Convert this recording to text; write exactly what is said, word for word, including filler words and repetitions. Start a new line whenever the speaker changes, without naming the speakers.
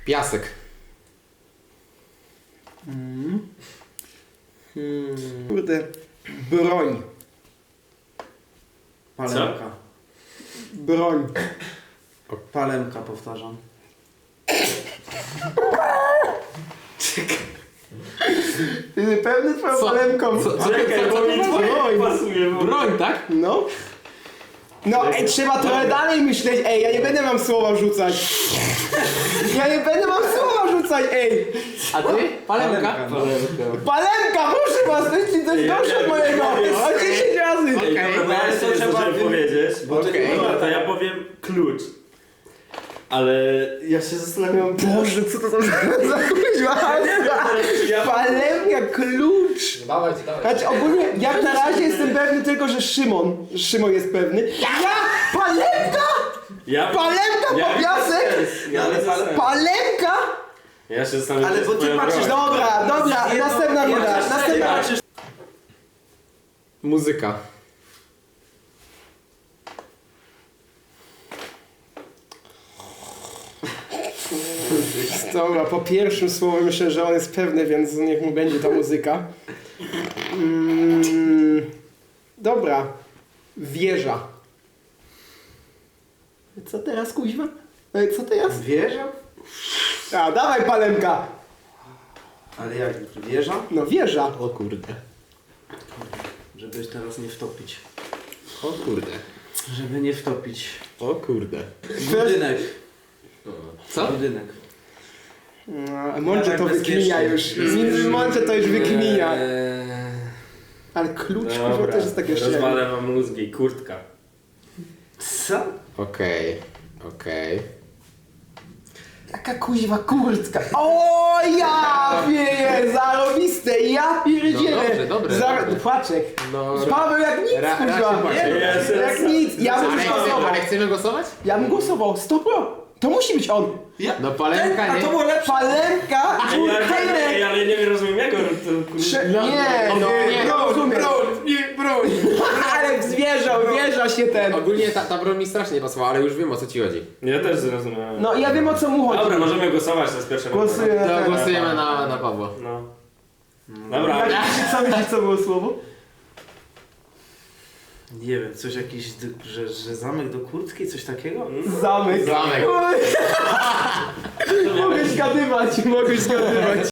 Piasek.
Mm. Hmm. Kurde. Broń.
Palemka.
Broń.
Palemka, powtarzam.
Ty pewny twoją
Co?
palemką?
Co, co,
Czekaj,
co,
bo mi
co,
twoje
broń.
pasuje. Bo...
Broń, tak?
No. No ej, trzeba trochę dalej myśleć, ej, ja nie będę wam słowa rzucać. Ja nie będę wam słowa rzucać, ej.
A ty? Palemka?
Palemka, no.
Palemka, proszę was, to jest coś
Ja
gorsze od
wiem,
mojego.
ja wiem.
O dziesięć razy.
Ej,
Okej,
dobra,
no,
ja
to
jeszcze
trzeba
trzeba
wy-
powiedzieć.
Bo
Okej.
ty,
Dobra, to ja powiem klucz. Ale ja się zastanawiam...
Boże, co to są za kuźwa?
Ja...
Palemka, klucz.
Dawaj, dawaj.
Znaczy ogólnie, jak na razie jestem pewny tylko, że Szymon, Szymon jest pewny. Ja! Palemka!
Ja...
Palemka,
ja
po piasek!
Ja,
Ale
ale
pale-
Palemka!
ja się zastanawiam,
Ale
czy
bo
jest
ty
moja
patrzysz
broń.
Dobra, dobra,
Jedno-
następna
jedno-
runda,
jedno-
następna.
patrzysz-
Muzyka.
Dobra, po pierwszym słowie myślę, że on jest pewny, więc niech mu będzie ta muzyka. Mm, dobra. Wieża. Co teraz, kuźwa? Ej, co teraz?
Wieża?
A, dawaj palemka!
Ale jak wieża?
No wieża.
O kurde.
Żeby teraz nie wtopić.
O kurde.
Żeby nie wtopić.
O kurde.
Budynek.
Co?
Budynek.
No, Mądrze to
Bezpiecznie.
wykminia już. Między Mądrze to już wykminia.
Eee,
Ale klucz kurwa
Dobra,
też jest takie szczere.
rozwalę wam mózgi. Kurtka.
Co?
Okej. Okej.
Jaka kuźwa kurtka. O ja wieje, zarobiste, ja pierdzielę.
No dobrze, dobre,
Zar-
dobre.
Płaczek.
No...
Paweł jak nic
Ra-
kuźwa.
raczej płaczek.
Jest,
Jak
jest.
nic, ja bym
Ale, chcemy,
głosował.
ale chcemy głosować?
Ja bym głosował, sto pro. To musi być on.
Ja?
No palemka,
A
nie?
to było lepsze.
Palemka,
Ej, ale,
Kejnek.
ej, ale nie rozumiem jak on to...
Prze-
No,
nie,
no,
no,
nie,
nie,
no,
rozumiem.
nie, broń.
Ale zwierzał, wieża się ten.
Ogólnie ta, ta broń mi strasznie nie pasowała, ale już wiem o co ci chodzi.
Ja też zrozumiałem.
No ja wiem o co mu chodzi.
Dobra, możemy głosować, to jest pierwsze.
Głosuję na
To
ten.
głosujemy na, na Pawła.
No. Dobra.
Jak myślisz, co myślisz, co było słowo?
Nie wiem, coś jakiś, d- że, że zamek do kurtki, coś takiego?
Zamek.
Zamek.
Oj. Mogę zgadywać, mogę zgadywać.